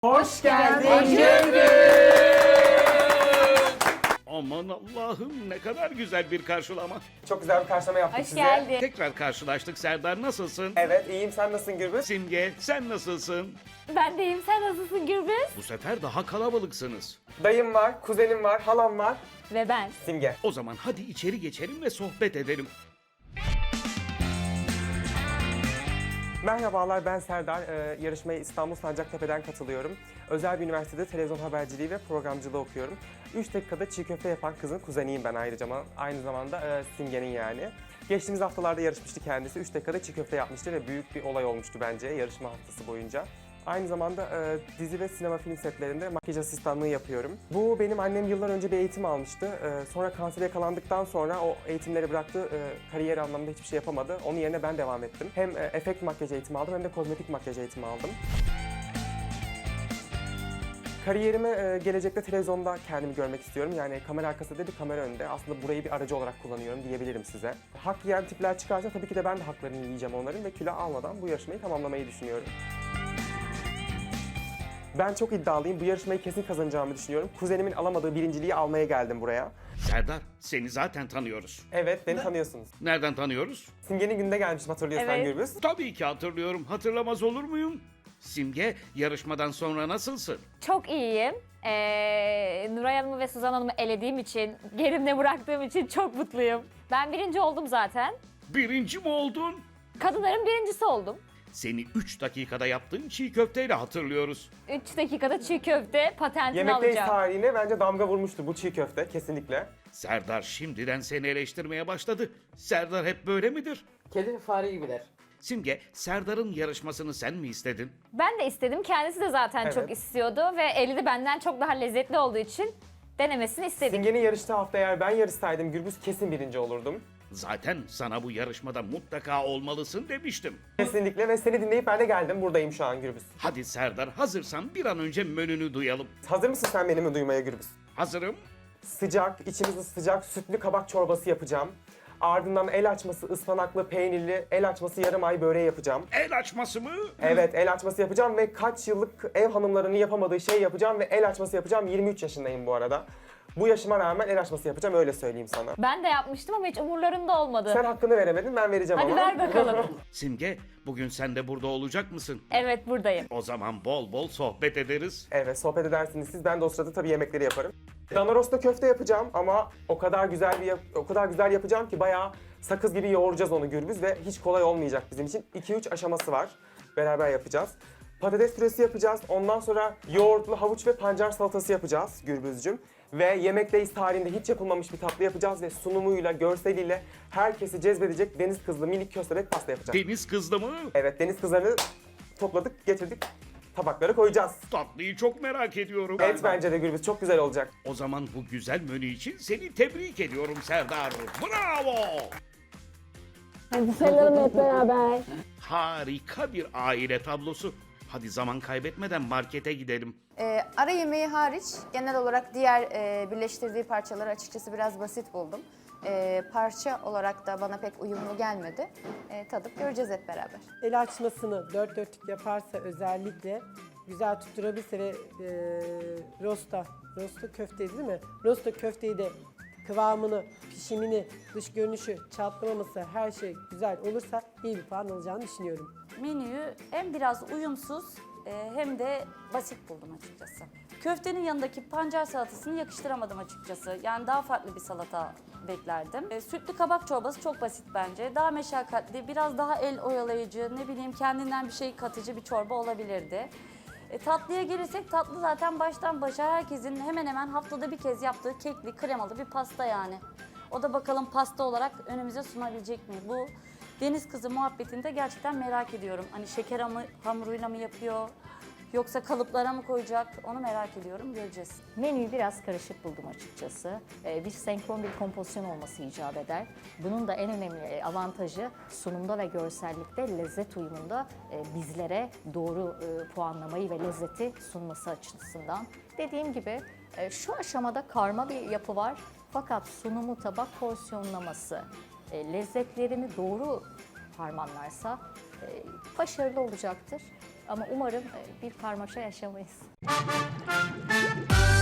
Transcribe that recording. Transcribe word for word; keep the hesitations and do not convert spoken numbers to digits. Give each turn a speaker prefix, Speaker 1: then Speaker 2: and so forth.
Speaker 1: Hoş geldin Gürbüz.
Speaker 2: Aman Allah'ım ne kadar güzel bir karşılama.
Speaker 1: Çok güzel bir karşılama yaptık
Speaker 3: Hoş
Speaker 1: size.
Speaker 3: geldin.
Speaker 2: Tekrar karşılaştık Serdar, nasılsın?
Speaker 1: Evet, iyiyim. Sen nasılsın Gürbüz?
Speaker 2: Simge sen nasılsın?
Speaker 3: Ben de iyiyim. Sen nasılsın Gürbüz?
Speaker 2: Bu sefer daha kalabalıksınız.
Speaker 1: Dayım var, kuzenim var, halam var.
Speaker 3: Ve ben.
Speaker 1: Simge.
Speaker 2: O zaman hadi içeri geçelim ve sohbet edelim.
Speaker 1: Merhabalar, ben Serdar. Ee, yarışmaya İstanbul Sancaktepe'den katılıyorum. Özel bir üniversitede televizyon haberciliği ve programcılığı okuyorum. üç dakikada çiğ köfte yapan kızın kuzeniyim ben ayrıca. Aynı zamanda e, Simge'nin yani. Geçtiğimiz haftalarda yarışmıştı kendisi. üç dakikada çiğ köfte yapmıştı ve büyük bir olay olmuştu bence yarışma haftası boyunca. Aynı zamanda e, dizi ve sinema film setlerinde makyaj asistanlığı yapıyorum. Bu benim annem yıllar önce bir eğitim almıştı. E, sonra kansere yakalandıktan sonra o eğitimleri bıraktı. E, kariyer anlamında hiçbir şey yapamadı. Onun yerine ben devam ettim. Hem e, efekt makyaj eğitimi aldım hem de kozmetik makyaj eğitimi aldım. Kariyerime e, gelecekte televizyonda kendimi görmek istiyorum. Yani kamera arkasında değil, kamera önünde. Aslında burayı bir aracı olarak kullanıyorum diyebilirim size. Hak yiyen tipler çıkarsa tabii ki de ben de haklarını yiyeceğim onların ve kilo almadan bu yarışmayı tamamlamayı düşünüyorum. Ben çok iddialıyım. Bu yarışmayı kesin kazanacağımı düşünüyorum. Kuzenimin alamadığı birinciliği almaya geldim buraya.
Speaker 2: Serdar seni zaten tanıyoruz.
Speaker 1: Evet, beni tanıyorsunuz.
Speaker 2: Nereden tanıyoruz?
Speaker 1: Simge'nin günde gelmiştim, hatırlıyorsan
Speaker 3: Evet.
Speaker 1: Gürbüz.
Speaker 2: Tabii ki hatırlıyorum, hatırlamaz olur muyum? Simge, yarışmadan sonra nasılsın?
Speaker 3: Çok iyiyim. Ee, Nuray Hanım'ı ve Suzan Hanım'ı elediğim için, gerimde bıraktığım için çok mutluyum. Ben birinci oldum zaten.
Speaker 2: Birinci mi oldun?
Speaker 3: Kadınların birincisi oldum.
Speaker 2: Seni üç dakikada yaptığın çiğ köfteyle hatırlıyoruz.
Speaker 3: üç dakikada çiğ köfte patentini
Speaker 1: Yemekteyiz
Speaker 3: alacağım.
Speaker 1: tarihine bence damga vurmuştu bu çiğ köfte, kesinlikle.
Speaker 2: Serdar şimdiden seni eleştirmeye başladı. Serdar hep böyle midir?
Speaker 4: Kedi ve fare gibiler.
Speaker 2: Simge, Serdar'ın yarışmasını sen mi istedin?
Speaker 3: Ben de istedim. Kendisi de zaten
Speaker 1: Evet.
Speaker 3: çok istiyordu ve eli de benden çok daha lezzetli olduğu için denemesini istedik.
Speaker 1: Simge'nin yarıştığı hafta eğer ben yarışsaydım Gürbüz kesin birinci olurdum.
Speaker 2: Zaten sana bu yarışmada mutlaka olmalısın demiştim.
Speaker 1: Kesinlikle ve seni dinleyip ben de geldim. Buradayım şu an Gürbüz.
Speaker 2: Hadi Serdar, hazırsan bir an önce menünü duyalım.
Speaker 1: Hazır mısın sen benimle duymaya Gürbüz?
Speaker 2: Hazırım.
Speaker 1: Sıcak, içimiz sıcak sütlü kabak çorbası yapacağım. Ardından el açması ıspanaklı, peynirli, el açması yarım ay böreği yapacağım.
Speaker 2: El açması mı?
Speaker 1: Evet, el açması yapacağım ve kaç yıllık ev hanımlarının yapamadığı şey yapacağım ve el açması yapacağım. yirmi üç yaşındayım bu arada. Bu yaşıma rağmen el açması yapacağım, öyle söyleyeyim sana.
Speaker 3: Ben de yapmıştım ama hiç umurlarında olmadı.
Speaker 1: Sen hakkını veremedin, ben vereceğim
Speaker 3: Hadi
Speaker 1: ama.
Speaker 3: ver bakalım.
Speaker 2: Simge, bugün sen de burada olacak mısın?
Speaker 3: Evet, buradayım.
Speaker 2: O zaman bol bol sohbet ederiz.
Speaker 1: Evet, sohbet edersiniz siz. Ben de o sırada tabii yemekleri yaparım. Dana rosta köfte yapacağım ama o kadar güzel bir yap- o kadar güzel yapacağım ki bayağı sakız gibi yoğuracağız onu Gürbüz ve hiç kolay olmayacak bizim için. iki üç aşaması var. Beraber yapacağız. Patates püresi yapacağız. Ondan sonra yoğurtlu havuç ve pancar salatası yapacağız Gürbüzcüm. Ve Yemekteyiz tarihinde hiç yapılmamış bir tatlı yapacağız ve sunumuyla, görseliyle herkesi cezbedecek deniz kızlı minik köstebek pasta yapacağız.
Speaker 2: Deniz kızdı mı?
Speaker 1: Evet, deniz kızlarını topladık, getirdik. Tabaklara koyacağız.
Speaker 2: Tatlıyı çok merak ediyorum.
Speaker 1: Evet, bence de Gürbüz çok güzel olacak.
Speaker 2: O zaman bu güzel menü için seni tebrik ediyorum Serdar. Bravo!
Speaker 3: Hadi sayalım hep beraber.
Speaker 2: Harika bir aile tablosu. Hadi zaman kaybetmeden markete gidelim.
Speaker 5: Ee, ara yemeği hariç genel olarak diğer e, birleştirdiği parçaları açıkçası biraz basit buldum. Ee, parça olarak da bana pek uyumlu gelmedi. Ee, tadıp göreceğiz hep beraber.
Speaker 6: El açmasını dört dörtlük yaparsa özellikle güzel tutturabilse ve e, rosta, rosta köfteydi değil mi? Rosta köfteyi de kıvamını, pişimini, dış görünüşü, çatlamaması her şey güzel olursa iyi bir puan alacağını düşünüyorum.
Speaker 7: Menüyü hem biraz uyumsuz e, hem de basit buldum açıkçası. Köftenin yanındaki pancar salatasını yakıştıramadım açıkçası. Yani daha farklı bir salata beklerdim. E, sütlü kabak çorbası çok basit bence. Daha meşakkatli, biraz daha el oyalayıcı, ne bileyim kendinden bir şey katıcı bir çorba olabilirdi. E, tatlıya gelirsek tatlı zaten baştan başa herkesin hemen hemen haftada bir kez yaptığı kekli, kremalı bir pasta yani. O da bakalım pasta olarak önümüze sunabilecek mi? Bu deniz kızı muhabbetinde gerçekten merak ediyorum. Hani şeker hamı, hamuruyla mı yapıyor yoksa kalıplara mı koyacak onu merak ediyorum, göreceğiz.
Speaker 8: Menüyü biraz karışık buldum açıkçası. Ee, bir senkron bir kompozisyon olması icap eder. Bunun da en önemli avantajı sunumda ve görsellikte, lezzet uyumunda e, bizlere doğru e, puanlamayı ve lezzeti sunması açısından. Dediğim gibi e, şu aşamada karma bir yapı var. Fakat sunumu, tabak porsiyonlaması, e, lezzetlerini doğru harmanlarsa e, başarılı olacaktır. Ama umarım e, bir karmaşa yaşamayız.